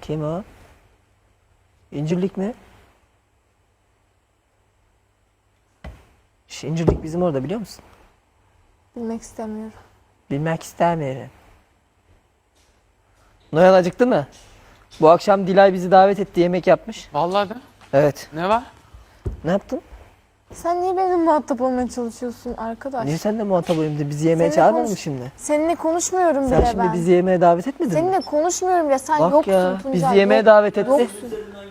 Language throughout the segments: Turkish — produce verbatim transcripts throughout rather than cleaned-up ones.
Kim o? İncirlik mi? Şu İncirlik bizim orada biliyor musun? Bilmek istemiyorum. Bilmek istemiyorum. Noyan acıktı mı? Bu akşam Dilay bizi davet etti, yemek yapmış. Vallahi de. Evet. Ne var? Ne yaptın? Sen niye benimle muhatap olmaya çalışıyorsun arkadaş? Niye sen de muhatap olayım? Bizi yemeğe Seninle çağırmadın mı konuş- şimdi? Seninle konuşmuyorum Sen bile şimdi ben. bizi yemeğe davet etmedin mi? Seninle konuşmuyorum bile. Sen Bak yoksun ya, Tuncay. bizi yemeğe yok- davet etti. Yoksun.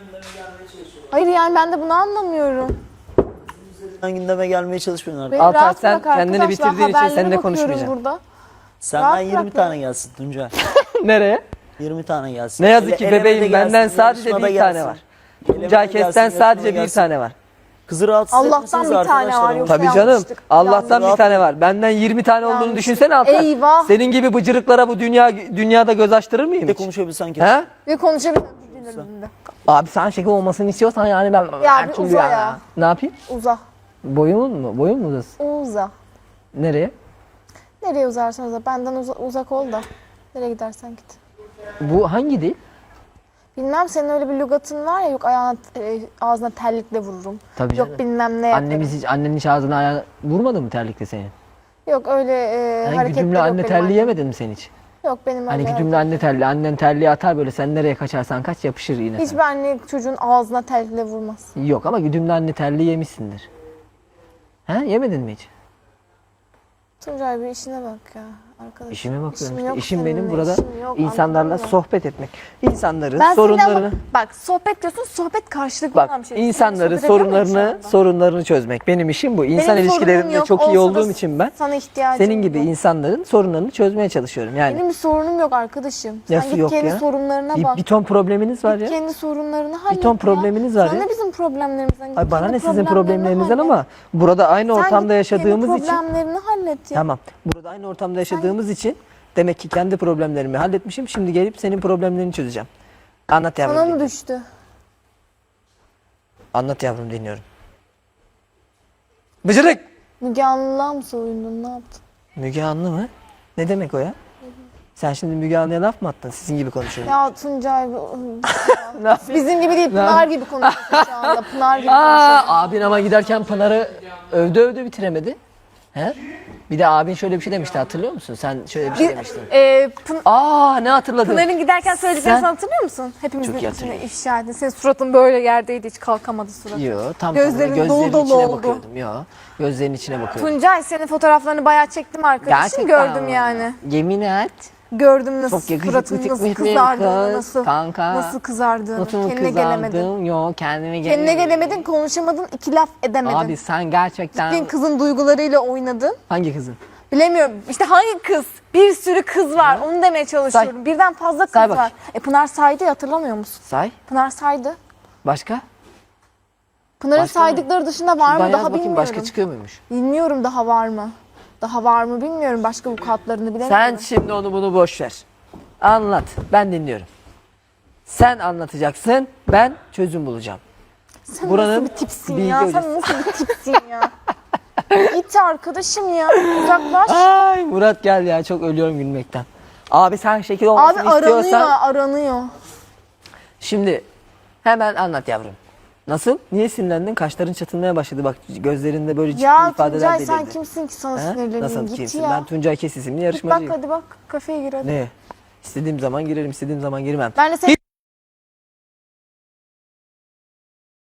Hayır yani ben de bunu anlamıyorum. Sen gündeme gelmeye çalışmıyorsun artık. Beni Altay, rahat sen bırak kendini arkadaşlar, bitirdiğin için haberlere seninle bakıyorum konuşmayacağım. Burada. Senden rahat yirmi bırak tane beni. gelsin Tuncay. Nereye? yirmi tane gelsin. Ne yazık Ele- ki elemede bebeğim, gelsin, benden sadece yarışmada bir tane gelsin. var. Elemede Tuncay gelsin, Kes'ten yarışmada sadece bir gelsin. tane var. Kızı rahatsız Allah'tan etmişsiniz bir tane arkadaşlar var, ama. yoksa Tabii canım. yanlıştık. Allah'tan bir Yanlış. tane var. Benden yirmi tane olduğunu Yanlış. düşünsene Altay. Eyvah. Senin gibi bıcırıklara bu dünya dünyada göz açtırır mıyım Bir de hiç? konuşabilsen ki. He? Ve konuşabilirim. Dinlerimde. Abi sen şeker olmasını istiyorsan yani ben her bir türlü uza yani. ya. Ne yapayım? Uza. Boyumun mu? Boyun mu uzasın? Uza. Nereye? Nereye uzarsan uza. Benden uza- uzak ol da. Nereye gidersen git. Bu hangi dil? Bilmem senin öyle bir lügatın var ya, yok ayağına, e, ağzına terlikle vururum. Tabii canım. Yok bilmem ne yaparım. Annemiz hiç, annenin hiç ağzına ayağına vurmadı mı terlikle seni? Yok öyle e, Hani hareketler güdümlü yok anne benim terliği annem. yemedin mi sen hiç? Yok benim Hani öyle güdümlü anne terliği, annen terliği atar böyle sen nereye kaçarsan kaç yapışır yine. Hiçbir anne çocuğun ağzına terlikle vurmaz. sana. Yok ama güdümlü anne terliği yemişsindir. He yemedin mi hiç? Tuncay bir işine bak ya arkadaş. İşime bakıyorum İşim işte. yok İşim benim seninle, burada işim yok, insanlarla anladın mı? sohbet etmek. İnsanların Ben seninle sorunlarını... ama bak sohbet diyorsun, sohbet karşılıklı Bak olan bir şey. insanların Sohbet ediyor muyum şu sorunlarını anda? sorunlarını çözmek. Benim işim bu. İnsan Benim ilişkilerinde sorunum yok, çok iyi olsa da olduğum için ben sana ihtiyacım senin gibi yok. insanların sorunlarını çözmeye çalışıyorum. Yani Benim bir sorunum yok arkadaşım. Sen Nasıl git yok kendi ya? sorunlarına bir, bak. bir ton probleminiz var Git ya. kendi sorunlarını hallet ton ya. probleminiz var Sana ya. ne bizim problemlerimizden? Git Ay bana kendi ne sizin problemlerini problemlerinizden hallet. ama burada aynı Sen ortamda git kendi yaşadığımız için problemlerini hallet ya. tamam. Burada aynı ortamda yaşadığımız için demek ki kendi problemlerimi halletmişim. Şimdi gelip senin problemlerini çözeceğim. Anlat yavrum. Sana mı dinliyorum. düştü? Anlat yavrum dinliyorum. Bıcırık. Müge Anlı'la mı soyundun? Ne yaptın? Müge Anlı mı? Ne demek o ya? Sen şimdi Müge Anlı'ya laf mı attın? Sizin gibi konuşuyorum. Ya Tuncay bu- Ne yapayım? bizim gibi değil, Pınar gibi konuşuyorsun şu anda. Pınar gibi Aa, konuşuyorsun. abin ama giderken Pınar'ı övdü övdü bitiremedi. He? Bir de abin şöyle bir şey demişti hatırlıyor musun? Sen şöyle bir şey demiştin. E, Pın- Aa ne hatırladın? Pınar'ın giderken söylediklerini Sen- sen hatırlıyor musun? Hepimizin Çok iyi içine hatırlıyorum. ifşa ettin. Senin suratın böyle yerdeydi, hiç kalkamadı suratın. Yo tam Gözlerin gözlerin, dolu gözlerin dolu içine oldu. bakıyordum. Yo gözlerin içine bakıyordum. Tuncay senin fotoğraflarını bayağı çektim arkadaşım. Gerçekten Gördüm mi? yani. Yemin et. Gördüm nasıl Çok yakışıklı suratın çıkmış nasıl bir kızardığını, kız, nasıl, kanka. nasıl kızardığını. Nasıl mı Kendine gelemedin. kızardım? Yo kendime gelemedim. Kendine gelemedin, konuşamadın, iki laf edemedin. Abi sen gerçekten... Gittin kızın duygularıyla oynadın. Hangi kızın? Bilemiyorum. İşte hangi kız? Bir sürü kız var. Onu demeye çalışıyorum. Say. Birden fazla kız Say bakayım. var. E Pınar saydı ya, hatırlamıyor musun? Say. Pınar saydı. Başka? Pınar'ın Başka mı? saydıkları dışında var Ben mı? yaz Daha bakayım bilmiyorum. başka çıkıyor muymuş? Bilmiyorum daha var mı? Daha var mı bilmiyorum. Başka vukuatlarını bilemiyorum. Sen şimdi onu bunu boş ver. Anlat. Ben dinliyorum. Sen anlatacaksın. Ben çözüm bulacağım. Sen buranın nasıl bir tipsin bilgi ya? hocası. Sen nasıl bir tipsin ya? Git arkadaşım ya. Uzaklaş. Ay Murat gel ya çok ölüyorum gülmekten. Abi sen şekil Abi olmasını aranıyor, istiyorsan aranıyor. şimdi hemen anlat yavrum. Nasıl? Niye sinirlendin? Kaşların çatılmaya başladı. Bak gözlerinde böyle ciddi Ya ifadeler Tuncay belirdi. sen kimsin ki sana He? sinirleneyim? Nasıl Git kimsin? ya. Ben Tuncay Kes isimli Git bak yarışmacıyım. hadi bak. Kafeye gir hadi. Ne? İstediğim zaman girerim, istediğim zaman girmem. Ben de seni